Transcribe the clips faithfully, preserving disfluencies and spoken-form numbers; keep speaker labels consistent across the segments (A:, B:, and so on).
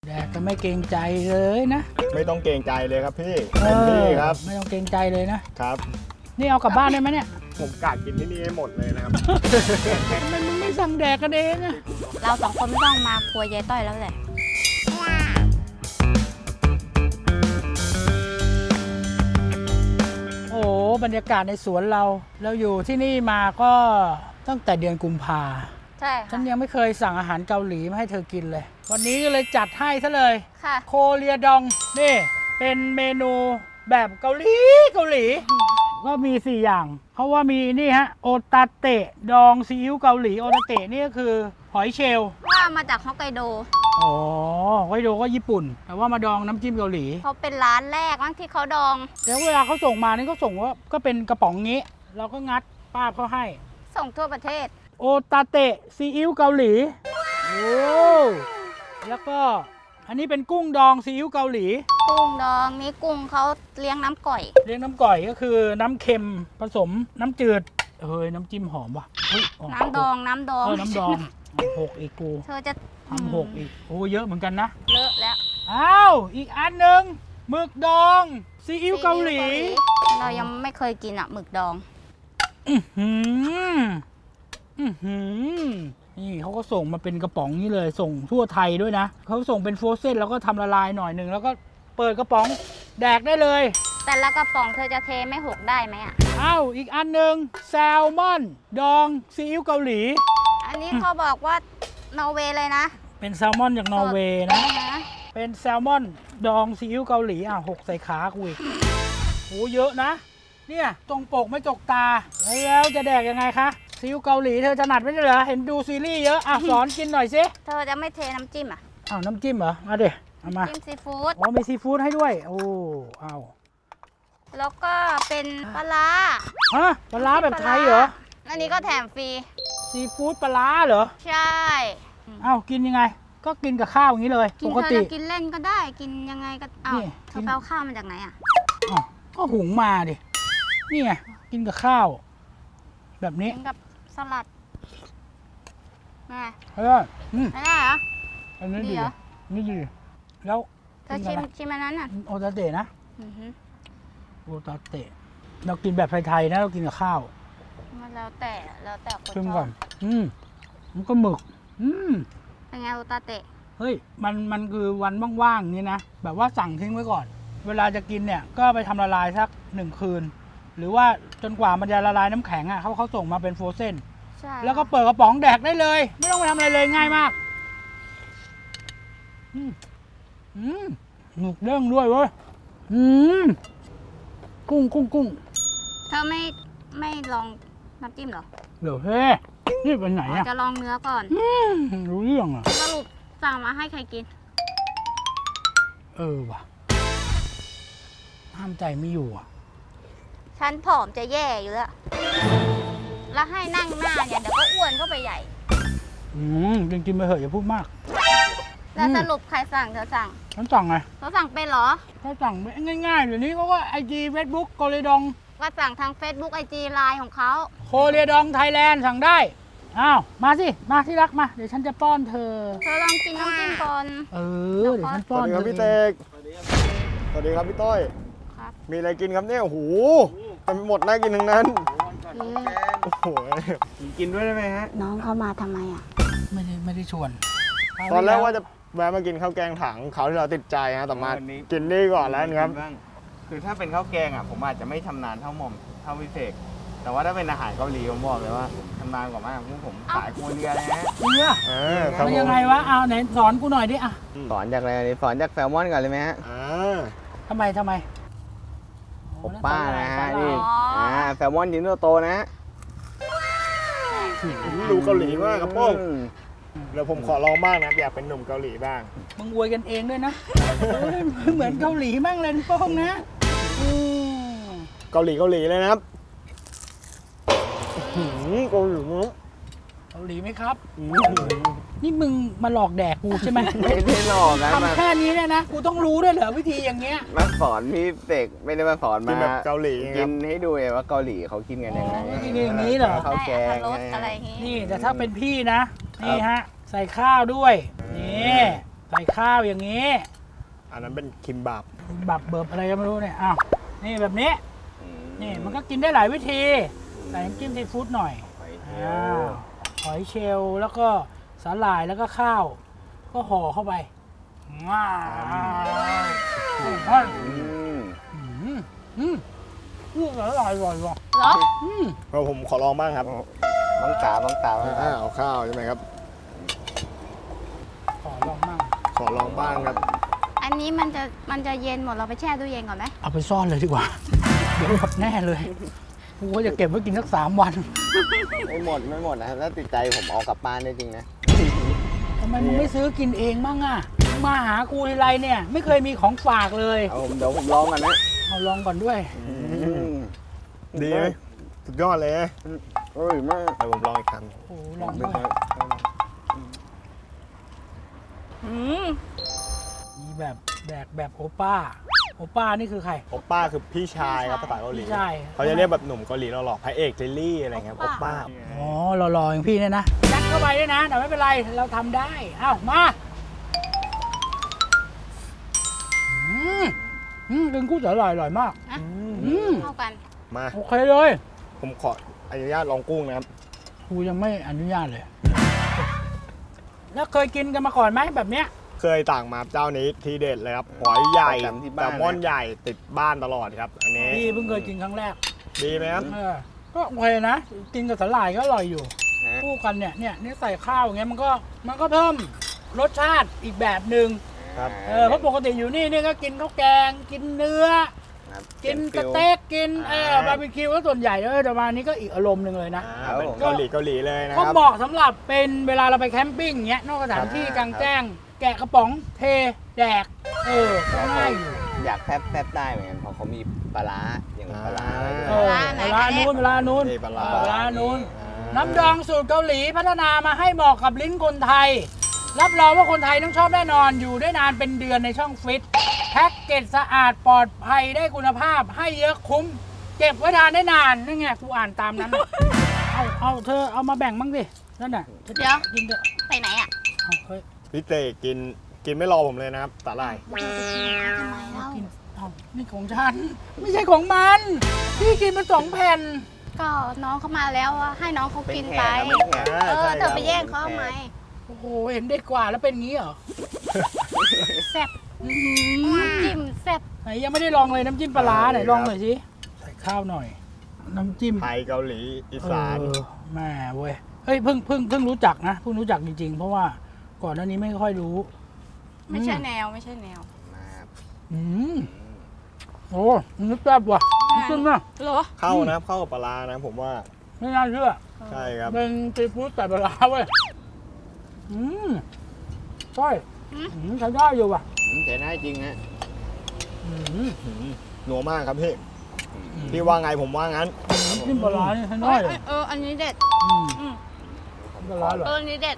A: แดกก็ไม่เกรงใจเลยนะ
B: ไม่ต้องเกรงใจเลยครับพี่
A: เอ
B: เต็มที่
A: อ
B: ครับ
A: ไม่ต้องเกรงใจเลยนะครับ นี่เอากลับบ้านได้ไหมเนี่ย
B: ผมกะกินที่นี่ให้หมดเลยนะครับ
A: ทำไมมึงไม่สั่งแดกกันเองอะ
C: เราสองคนไม่ต้องมาครัวยายต้อยแล้วแหละ
A: โอ้โหบรรยากาศในสวนเรา เราอยู่ที่นี่มาก็ตั้งแต่เดือนกุมภา
C: ใช่
A: ฉั
C: ค่ะ
A: นยังไม่เคยสั่งอาหารเกาหลีมาให้เธอกินเลย วันนี้ก็เลยจัดให้ซะเลย
C: ค่ะ
A: โคเรียดองนี่เป็นเมนูแบบเกาหลีเกาหลี ก็มีสี่อย่างเพราะว่ามีนี่ฮะโอตาเตะดองซีอิ๊วเกาหลีโอตาเตะนี่ก็คือหอยเชลล์
C: ว่ามาจากฮอกไกโด
A: อ๋อไวโดก็ญี่ปุ่น แต่ว่ามาดองน้ำจิ้มเกาหลี
C: เขาเป็นร้านแรกมั้งที่เขาดอง
A: แล้วเวลาเขาส่งมานี่เขาส่งว่าก็เป็นกระป๋องงี้ เราก็งัดป้าบเขาให้
C: ส่งทั่วประเทศ
A: โอตาเตะซีอิ๊วเกาหลีโอ้แล้วก็อันนี้เป็นกุ้งดองซีอิ๊วเกาหลี
C: กุ้งดองนี้กุ้งเขาเลี้ยงน้ำก่อย
A: เรียกน้ำก่อยก็คือน้ำเค็มผสมน้ำจืดเฮ้ยน้ำจิ้มหอมว่ะเฮ้ย
C: น้ำดองน้ำดอง
A: เออน้ำดองหกอีกกู
C: เธอจะ
A: ทำหกอีกโอ้เยอะเหมือนกันนะ
C: เลอะแล้ว
A: อ้าวอีกอันหนึ่งหมึกดองซีอิ๊วเกาหลี
C: เรายังไม่เคยกินอ่ะหมึกดอง
A: อื้อหืออื้อหือนี่เขาก็ส่งมาเป็นกระป๋องนี้เลยส่งทั่วไทยด้วยนะเขาส่งเป็นโฟรเซนแล้วก็ทำละลายหน่อยหนึ่งแล้วก็เปิดกระป๋องแดกได้เลย
C: แต่ละกระป๋องเธอจะเทไม่หกได้ไหมอ่ะ
A: อ้าวอีกอันหนึ่งแซลมอนดองซีอิ๊วเกาหลี
C: อันนี้เขาบอกว่านอร์เวย์เลยนะ
A: เป็นแซลมอนจากนอร์เวย์นะ
C: นะ
A: เป็นแซลมอนดองซีอิ๊วเกาหลีอ่ะหกใส่ขากูอีกโหเยอะนะ เนี่ยตรงปกไม่จกตา แล้วจะแดกยังไงคะซีอิ๊วเกาหลีเธอถนัดไม่ใช่เหรอ เห็นดูซีรีส์เยอะ อ่ะ สอนกินหน่อยสิ
C: เธอจะไม่เทน้ำจิ้มอ่ะ
A: อ้าวน้ำจิ้มเหรอมาเดี๋ยวเอามา
C: จิ้มซีฟู้ด
A: อ๋อมีซีฟู้ดให้ด้วย โอ้เอา
C: แล้วก็เป็นปลาร้า
A: ฮะปลาร้าแบบไทยเหรอ
C: อันนี้ก็แถมฟรี
A: ซีฟู้ดปลาร้าเหรอ
C: ใช่
A: อ้าวกินยังไง ก็กินกับข้าวอย่างนี้เลย
C: กิ
A: ป
C: น
A: ก
C: เธอ
A: ติ
C: จะกินเล่นก็ได้ กินยังไงก็เอา
A: นี่
C: เธอไปเอาข้าวมาจากไหนอ่ะ
A: อ้าวก็หุงมาดินี่ไงกินกับข้าว แบบนี้
C: กินกับสลัดไง
A: เฮ้ยอืม
C: ไม่ได้เหรอ
A: อันนี้
C: ดี
A: ดี
C: เหรอ
A: นี่ดี แล้ว
C: เธอ
A: กิน
C: ชิ
A: กับ
C: ม
A: อะไร
C: ชิมอันนั้นอ่ะ
A: โอตาเตะนะ
C: อือฮึ
A: โอตาเตะ เรากินแบบไทยๆนะ เรากินกับข้าว
C: มันแล้วแต่แล้วแต่คน
A: ชิม
C: ช
A: ก่
C: อ
A: อบ น อืมมันก็หมึก อืม
C: เป็นไงโอตาเตะ
A: เฮ้ย มันมันคือวันว่างๆนี่นะ แบบว่าสั่งทิ้งไว้ก่อน เวลาจะกินเนี่ย ก็ไปทำละลายสักหนึ่งคืน หรือว่าจนกว่ามันจะละลายน้ำแข็งอ่ะเขาเขาส่งมาเป็นโฟรเซน
C: ใช่
A: แล้วก็เปิดกระป๋องแดกได้เลย ไม่ต้องไปทำอะไรเลยง่ายมาก อืมอืมหนุกเด้งด้วยเว้ย อืม กุ้งกุ้งกุ้ง
C: เธอไม่ไม่ลองน้ำจิ้มเหรอ
A: เดี๋ยวเฮ้นี่เป็นไหนอ่ะ
C: จะลองเนื้อก่อน
A: อืมรู้เรื่องอ่ะ
C: สรุปสั่งมาให้ใครกิน
A: เออว่ะ ห้ามใจไม่อยู่อ่ะ
C: ฉันผอมจะแย่อยู่แล้ว แล้วให้นั่งหน้าเนี่ยเดี๋ยวก็อ้วนเข้าไปใหญ่
A: อืมกินกินไปเถอะอย่าพูดมาก
C: แล้ว
A: อืม
C: สรุปใครสั่งเธอสั่ง
A: ฉันสั่งไง
C: เธอสั่งเป็นเหรอ
A: เขาสั่งง่ายๆเดี๋ยวนี้เขาก็ไอจีเฟซบุ๊กโคเรดอง
C: ก็สั่งทาง Facebook ไอ จี ไลน์ของเขา
A: โคเรดองไทยแลนด์สั่งได้ อ้าว มาสิ มาที่รักมา เดี๋ยวฉันจะป้อนเธอ
C: เธอลองกินน้ำจิ้มก่อน
A: เออ เดี๋ยวฉัน
B: ส
A: ป้อ
B: วัน สดี
A: เธ
B: ครับ
A: อ
B: พี่
A: เอ
B: เต
A: ง
B: กสวัสดีครับพี่ต้อย
C: ครับ
B: มีอะไรกินครับเนี่ย โอ้โหเต็มหมดน่ากินทั้งนั้น โอ้โห กินด้วยได้ไหมฮะ
C: น้องเขามาทำไมอ่ะ
A: ไม่ได้ไม่ได้ชวน
B: ตอนแรกว่าจะแวะมากินข้าวแกงถังเขาวที่เราติดใจฮะแต่มา
D: วันนี้
B: กินนี่ก่อนแล้วครับ
D: บ้างคือถ้าเป็นข้าวแกงอ่ะผมอาจจะไม่ชำนาญเท่าหม่อมเท่าพิเศษ แต่ว่าถ้าเป็นอาหารเกาหลีผมบอกเลยว่าชำนาญกว่ามากพวกผมขายครัวเรือนเลยฮะ
A: จริงอะ
B: เออครับ
A: มัน
B: ผ
A: ยัง
B: ม
A: ไงวะเอาไหนสอนกูหน่อยดิอะ
D: สอนจากอะไรนี่สอนจากแซลมอนก่อนเลยไหมฮะ
B: อ่า
A: ทำไมทำไม
D: ผมป้านะฮะ
A: นี่
D: นี่อ่าแซลมอนชิ้นโตๆนะฮะ
B: ดูเกาหลีมากครับโป้ง
D: อืม
B: เดี๋ยวผมขอลองบ้างนะอยากเป็นหนุ่มเกาหลีบ้าง
A: มึงอวยกันเองด้วยนะเออเหมือนเกาหลีมั่งเลยนะโป้งนะอืม
B: เกาหลีเกาหลีเลยนะครับอื้อหือเกาหลีมั้ง
A: เกาหลีไหมครับ
B: อื้อหือ
A: นี่มึงมาหลอกแดกกูใช่ไหม
D: ไม่ได้หลอกนะมา
A: ทำแค่นี้เนี่ยนะ กูต้องรู้ด้วยเหรอวิธีอย่างเงี้ย
D: มาสอนพี่เสกไม่ได้มาสอน
B: กิ
D: มาน
B: แบบเกาหลีค
D: กิ
B: รับ
D: นให้ดูเลยว่าเกาหลีเขากินกันยังไง
A: อ๋อกินอย่างนี้เหรอ
D: ข้าว
C: ได้
D: แก
C: อั
D: ง
C: ตรสอะไรอย่างงี้
A: นี่แต่ถ้าเป็นพี่นะ นี่ฮะ ใส่ข้าวด้วย นี่ใส่ข้าวอย่างนี้
B: อันนั้นเป็นคิมบับ
A: บับเบิบอะไรก็ไม่รู้เนี่ยอ้าวนี่แบบนี้นี่มันก็กินได้หลายวิธีใส่น้ำจิ้มซีฟู้ดหน่อยอ้าวหอยเชลล์แล้วก็สาหร่ายแล้วก็ข้าว ก็ห่อเข้าไปว้าวอืมอืมอืมอืมอร่อยอร่อยว่ะ
C: เหรอ
A: อืม
B: เราผมขอลองบ้างครับ
D: บังตาบังตาบังตา
B: อ่าเอาข้าวใช่ไหมครับ
A: ขอลองมั่ง
B: ขอลองบ้างครับ
C: อันนี้มันจะมันจะเย็นหมดเราไปแช่ตู้เย็นก่อนไหม
A: เอาไปซ่อนเลยดีกว่า เดี๋ยวหมดแน่เลยกูก็จะเก็บไว้กินสักสามวัน
D: ไม่หมดไม่หมดนะครับถ้าติดใจผมเอากลับบ้านได้จริงนะ
A: ทำไมมึงไม่ซื้อกินเองบ้างอ่ะมึงมาหากูทีไรเนี่ย ไม่เคยมีของฝากเลย
D: เอาผมเดี๋ยวผมลองกันนะ
A: เอาลองก่อนด้วย
B: ดีไหมสุดยอดเลย
D: อร่อยมาก
B: เดี๋ยวผมลองอีกค
A: โอ้ลองด้วย
C: อืม
A: มีแบบแดกแบบโอป้า โอป้านี่คือใคร
B: ำโอป้าคือพี่ชายครับภาษาเกาหลี
A: พี่ชาย
B: เขาจะเรียกแบบหนุ่มเกาหลีหล่อๆพระเอกเจลลี่อะไรเงี้ยโอป้า
A: อ๋อหล่อๆอย่างพี่เนี่ยนะยัดเข้าไปด้วยนะ แต่ไม่เป็นไร เราทำได้ เอ้ามาอืมอืมกินกุ้งสาหร่ายอร่อยมาก
C: อ่ะ
A: อืม
C: เข้ากัน
B: มา
A: โอเคเลย
B: ผมขออนุญาตลองกุ้งนะครับ
A: กูยังไม่อนุญาตเลย แล้วเคยกินกันมาก่อนไหมแบบเนี้ย
B: เคยต่างมาเจ้านี้ทีเด็ดเลยครับหอยใหญ่
D: ประจำที่บ้าน
B: แซลมอนใหญ่ติดบ้านตลอดครับ อันนี้
A: พี่เพิ่งเคยกินครั้งแรก
B: ดีไหมครับ
A: เออก็โอเคนะ กินกับสาหร่ายก็อร่อยอยู่
D: ฮะ
A: คู่กันเนี่ยเนี่ยนี่ใส่ข้าวอย่างเงี้ยมันก็มันก็เพิ่มรสชาติอีกแบบหนึ่ง
B: ครับ
A: เออเพราะปกติอยู่นี่นี่ก็กินข้าวแกง กินเนื้อ
D: ครับ
A: กินส
D: ฟิล
A: เต็กกินเออ
B: อ่า
A: บาร์บีคิวก็ส่วนใหญ่เออแต่มานี้ก็อีกอารมณ์หนึ่งเลยนะ
B: อ่าเป็นเกาหลีเกาหลีเลยนะค
A: ก็
B: รับ
A: เหมาะสำหรับเป็นเวลาเราไปแคมปิ้งเงี้ยนอกสถานที่
D: ครับ
A: กลางแจ้ง แกะกระป๋องเทแดก เออก็ง่ายอยู่
D: อยากแฟบแฟบได้เหมือนกันเพราะเขามีปลาร้าอย่างปลาร้าอะไรด้วย
A: เออเวลานู้นเวลานู้น
B: นี่ปลาร้า
A: เวลานู้น
B: อ่า
A: น้ำดองสูตรเกาหลีพัฒนามาให้เหมาะกับลิ้นคนไทย รับรองว่าคนไทยต้องชอบแน่นอนอยู่ได้นานเป็นเดือนในช่องฟิตแพ็กเกจสะอาดปลอดภัยได้คุณภาพให้เยอะคุ้ม เก็บไว้ทานได้นานนี่ไงกูอ่านตามนั้นน่ะ เอาเอาเธอเอามาแบ่งบ้างดินั่นน่ะ
C: เดี๋ยว
A: กินเถอะ
C: ไปไหนอ่ะ
A: เอาเฮ้ย
B: พี่เตกินกินไม่รอผมเลยนะครับสาหร่าย
C: ทำไมเล่า
A: กินเอานี่ของฉัน ไม่ใช่ของมันพี่กินมาสองแผ่น
C: ก็น้องเขามาแล้วอะให้น้องเขา
D: เป็น
C: กิน
D: แข
C: ไป
D: กครับเป็นแขก
C: เออเธอไปแย่งเขาทำไม
A: โอ้โหเห็นเด็กกว่าแล้วเป็นงี้เหรอ
C: แซ่บอื้อหือน้ำจิ้มแซ่บ
A: ไหนยังไม่ได้ลองเลยน้ำจิ้มปลาร้าไหนลองหน่อยสิใส่ข้าวหน่อย น้ำจิ้ม
B: ไทยเกาหลีอีสาน
A: เออแม่เว้ย เฮ้ยเพิ่งเพิ่งเพิ่งรู้จักนะเพิ่งรู้จักจริงๆ เพราะว่าก่อนหน้านี้ไม่ค่อยรู้
C: ไม่ใช่แนวไม่ใช่แนว
D: มาครับ
A: อืมโอ้นึกแซ่บว่ะขึ้นนะ
C: เหรอ
B: เข้านะครับเข้ากับปลาร้านะผมว่า
A: ไม่น่าเชื่อ
B: ใช่ครับ
A: เป็นซีฟู้ดแต่ปลาร้าเว้ยอืมใช่
C: อืม
A: อืมใช้ได้อยู่ว่ะ
D: อืมใช้ได้จริงฮะ
A: อืม
B: หนัวมากครับพี่พี่ว่าไงผมว่างั้น
A: น้ำจิ้มปลาร้านี่ใช้
C: เอ
A: ได้
C: อ
A: เลย
C: เอออันนี้เด็ด
A: อืม
C: อืม
A: ปลาร้าเหรอ
C: เอออันนี้เด็ด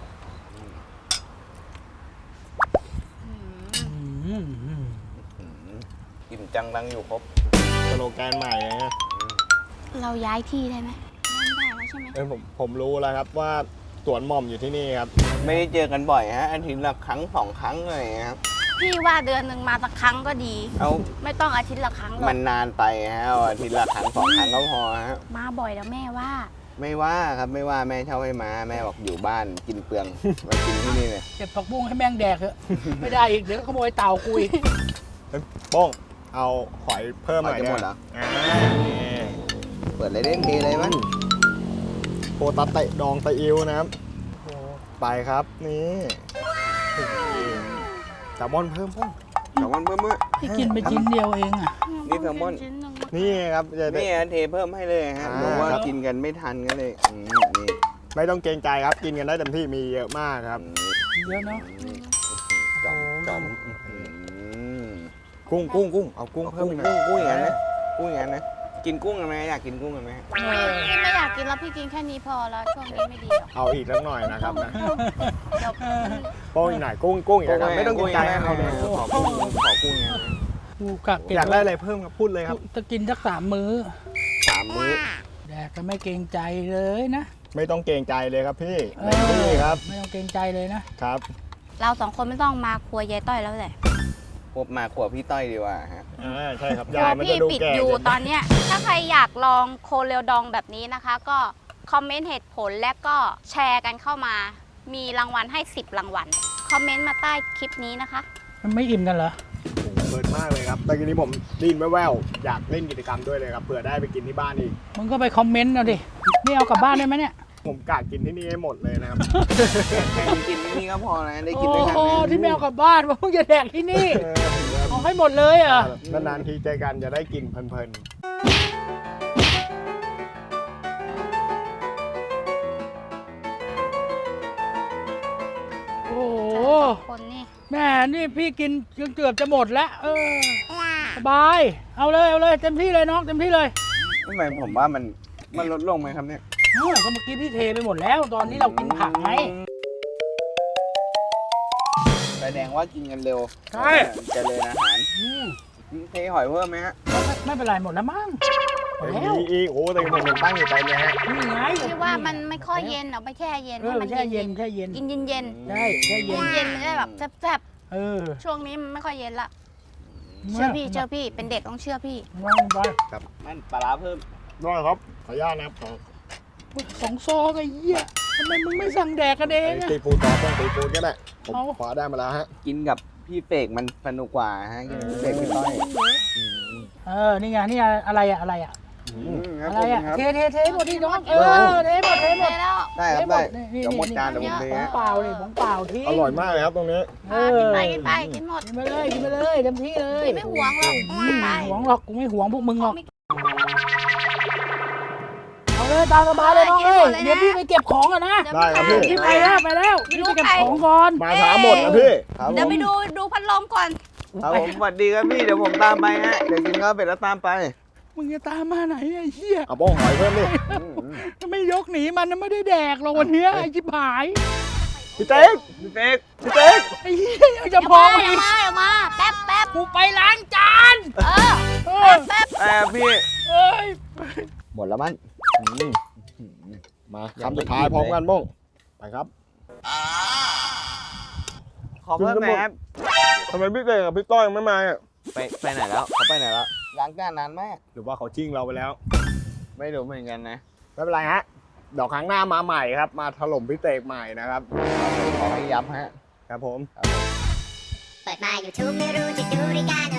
C: อืม
A: อืมอืม
D: อืมอิ่มจังรังอยู่ครบ
B: สโลแกนใหม่เลยนะ
C: เราย้ายที่ได้ไหมไม่ได้แล้วใช่ไหม
B: เอ้ยผมผมรู้แล้วครับว่าสวนหม่อมอยู่ที่นี่ครับ
D: ไม่ได้เจอกันบ่อยฮะอาทิตย์ละครั้งสองครั้งอะไรอย่างเงี้ยครับ
C: พี่ว่าเดือนหนึ่งมาสักครั้งก็ดี
D: เอา
C: ไม่ต้องอาทิตย์ละครั้งหรอ
D: มัน
C: ก
D: นานไปฮะเอาอาทิตย์ละครั้งสองครั้งก็พอฮะ
C: มาบ่อยแล้วแม่ว่า
D: ไม่ว่าครับไม่ว่าแม่เช่าให้มาแม่บอกอยู่บ้านกินเปลือง มากินที่นี่เลย
A: เก็บผักบุ้งให้แม่งแดกเถอะ ไม่ได้อีก เดี๋ยวก็ขโมยเต่ากูอีก
B: เอ้ยโป้งเอาหอยเพิ่มหน่อย
D: หอยจะหมดเหรอ
B: อ่านี่
D: เปิดเลยเล่นเทเลยมั้ง
B: โปตาเตะดองไตอิวนะครับไปครับนี่แซลมอนเพิ่มโป้ง
D: แซลมอนเพิ่มเมื่อ
A: พี่กินไปชิ้นเดียวเองอ่ะ
D: นี่แซลมอน
C: ชิ้นหนึ่ง
B: นี่ครับจะได้
D: นี่ฮะเทเพิ่มให้เลยฮะ
B: อ่า
D: บอกว่า
B: ครับ
D: กินกันไม่ทันกันเลยอืมนี่
B: ไม่ต้องเกรงใจครับกินกันได้เต็มที่มีเยอะมากครับ
A: เยอะเนาะ
D: จอมจอมอืม
B: กุ้งกุ้งกุ้งเอากุ้ง
D: กุ้ง
B: เพิ่ม
D: กุ้ง
B: อีกหน่อย
D: กุ้งอย่างนั้นนะกุ้งอย่างนั้นนะกินกุ้งกันไหมอยากกินกุ้งกันไหม
C: พี่ไม่อยากกินแล้วพี่กินแค่นี้พอแล้วช่วงนี้ไม่ดีหรอก
B: เอาอีกสักหน่อยนะครับนะ
C: เดี๋ยว
B: โป้งอีกหน่อยกุ้งกุ้งอีกนะครับไม่ต้องเกรงใจ
D: นะ
B: เอาเลย
D: ขอกุ้งขอกุ้งอย่างนั้น
A: กูกะเก็บ
B: อยากได้อะไรเพิ่มครับพูดเลยครับ
A: จะกินสักสามมื้อ
D: สามมื้อ
A: แดกก็ไม่เกรงใจเลยนะ
B: ไม่ต้องเกรงใจเลยครับพี่
A: เอ
B: เต็มที่
A: อ
B: ครับ
A: ไม่ต้องเกรงใจเลยนะ
B: ครับ
C: เราสองคนไม่ต้องมาครัวยายต้อยแล้วแหละ
D: พบมาขวบพี่ต้อยดีกว่าฮะ
B: อ่าใช่ครับ
C: ครั
B: ยายว มันจะ
C: พี่
B: ดู
C: ปิด
B: แก่
C: อยู่
B: เกิน
C: ตอนเนี้ย ถ้าใครอยากลองโคเรียวดองแบบนี้นะคะ ก็คอมเมนต์เหตุผลและก็แชร์กันเข้ามา มีรางวัลให้สิบรางวัล คอมเมนต์มาใต้คลิปนี้นะคะ
A: มันไม่อิ่มกันเหรอ
B: โอ้โหเพลินมากเลยครับ แต่ทีนี้ผมได้ยินแว่วๆอยากเล่นกิจกรรมด้วยเลยครับ เผื่อได้ไปกินที่บ้านอีก
A: มึงก็ไปคอมเมนต์เอาดิ นี่เอากลับบ้านได้ไหมเนี่ย
B: ผมกะกินที่นี่ให้หมดเลยนะครับ
D: แค่กินที่นี่ก็พอนะได้กิน
A: โอ้
D: ด้วยกัน
A: โห
D: นะ
A: ที่ไม่เอากลับบ้านว่ามึงจะแดกที่นี่
B: เออ
A: เอาให้หมดเลยเหรอ่ะ
B: นานๆทีเจอกันจะได้กินเพลิน
A: โอ้โห
C: คนนี่
A: แม่นี่พี่กินจนเกือบจะหมดแล้ว เออ สบาย เอาเลยเอาเลยเต็มที่เลยน้องเต็มที่เลย
D: ทำไมผมว่ามันมันลดลงไหมครับเนี่ย
A: เออก็เมื่อกี้พี่เทไปหมดแล้ว ตอนนี้เรากินผักไง
D: แสดงว่ากินกันเร็ว
A: ใช่
D: เจริญอาหาร
A: อืม
D: เทหอยเพิ่มไหมฮะ
A: ไม่ไม่เป็นไรหมดแล้วมั้งหมด
B: ๆ
A: แล้ว
B: มีอีกโอ้แต่ผมยังตั้งอยู่ใจเลยฮะ
A: นี่ไง
C: ที่ว่ามันไม่ค่อยเย็นเอาไปแช่เย็น
A: เอ
C: ให้
A: อ
C: มัน
A: แช่เย็นแช่เย็น
C: กินเย็น
A: ใช่แช่
C: ๆ
A: เย็น
C: เย็นๆมันจะแบบแซ่บ
A: เออ
C: ๆช่วงนี้มันไม่ค่อยเย็นละเชื่อพี่เชื่อพี่เป็นเด็กต้องเชื่อพี่
A: วางไป
D: มันปลาร้าเพิ่ม
B: ได้ครับ ขออนุญาตนะครับขอ
A: สองซองไอ้เหี้ยทำไมมึงไม่สั่งแดกกันเอง
B: ไอ้
A: อะ
B: ตีฟูดต่อต้องตีฟูดก็ได้ผม
A: เอา
B: ขอได้มาแล้วฮะ
D: กินกับพี่เฟกมันสนุกกว่าฮะกินกับพี่เฟกพี่ต้อย
A: เออ นี่ไง นี่อะไรอะอะไรอะ
D: อืมครับ
A: อะไร
D: ผม
A: อะ
D: ครับ
A: เทเทเทหมดที่น้อง เออ เทหมด เทหมด
C: แล้ว
D: ได้ครับ
A: เทหม
D: ได้
A: ดนี่นี่
D: เดี๋ยวหมด
A: นี่
D: จานเดี๋ยวผมเท
A: ของ
D: ฮะ
A: เปล่าเลยของเปล่าที่
B: อร่อยมากเลยครับตรงนี้
A: เอ
C: อ่ะ
A: อ
C: กินไปกินไปกินหมด
A: กินไปเลย กินไปเลยเต็มที่เลย
C: ไม่หวงหรอก
A: อืม
C: ไป
A: หวงหรอก กูไม่หวงพวกมึงหรอก
C: ไม่
A: เอาเลยตามสบายเลยน้อง
C: เอ
A: เอ้
C: อย กินหมดเลยนะ
A: เดี๋ยวพี่ไปเก็บของก่อนนะ
C: เดี๋ยว
B: ได้ครับพี่
A: พี่ไปแล้วไปแล้ว
C: ไม่
A: พี่
C: รู้
A: ไปเก็บ
C: ใคร
A: ของก่อน
B: มาช้าหมดนะพี่
D: ครับผ
C: เดี๋ยว
D: ม
C: ไปดูดูพัดลมก่อน
D: ครับผมสวัสดีครับพี่เดี๋ยวผมตามไปฮะเดี๋ยวกินข้าวเป็ดแล้วตามไป
A: มึงจะตามมาไหนไอ้เหี้ย
B: เอาโป้งหอยเพิ่มดิ
D: อืมอืม
A: ถ้าไม่ยกหนีมันนะไม่ได้แดกหรอกวันเนี้ยไอ้จิบหาย
B: พี่เต๊ก
D: พี่เฟก
B: พี่เต๊ก
A: ไอ้เหี้ยยังจะพอ
C: เดี๋
A: อี
C: ยว
A: ก
C: มาเดี๋ยวมาแป๊บแป๊บ
A: กูไปล้างจาน
C: เออ
A: เอ
C: แป๊
A: อบ
C: แป๊บ
D: เออพี่
A: เอ้ย
D: หมดแล้วมั้ง
B: อืมมาคำสุดท้ายพร้อมกันโป้งไปครับ
D: ขอเพิ่มหน่อยครับ
B: ทำไมพี่เต๊กกับพี่ต้อยยังไม่มาอ่ะ
D: ไปไปไหนแล้วเขาไปไหนแล้วล้างจานนานมาก
B: หรือว่าเขาชิ่งเราไปแล้ว
D: ไม่รู้เหมือนกันนะ
B: ไม่เป็นไรฮะเดี๋ยวครั้งหน้ามาใหม่ครับ มาถล่มพี่เตกใหม่นะครับ
D: ขอให้ย้ำฮะ
B: ครับผม
E: เปิดมา YouTube ไม่รู้จะดูรายการ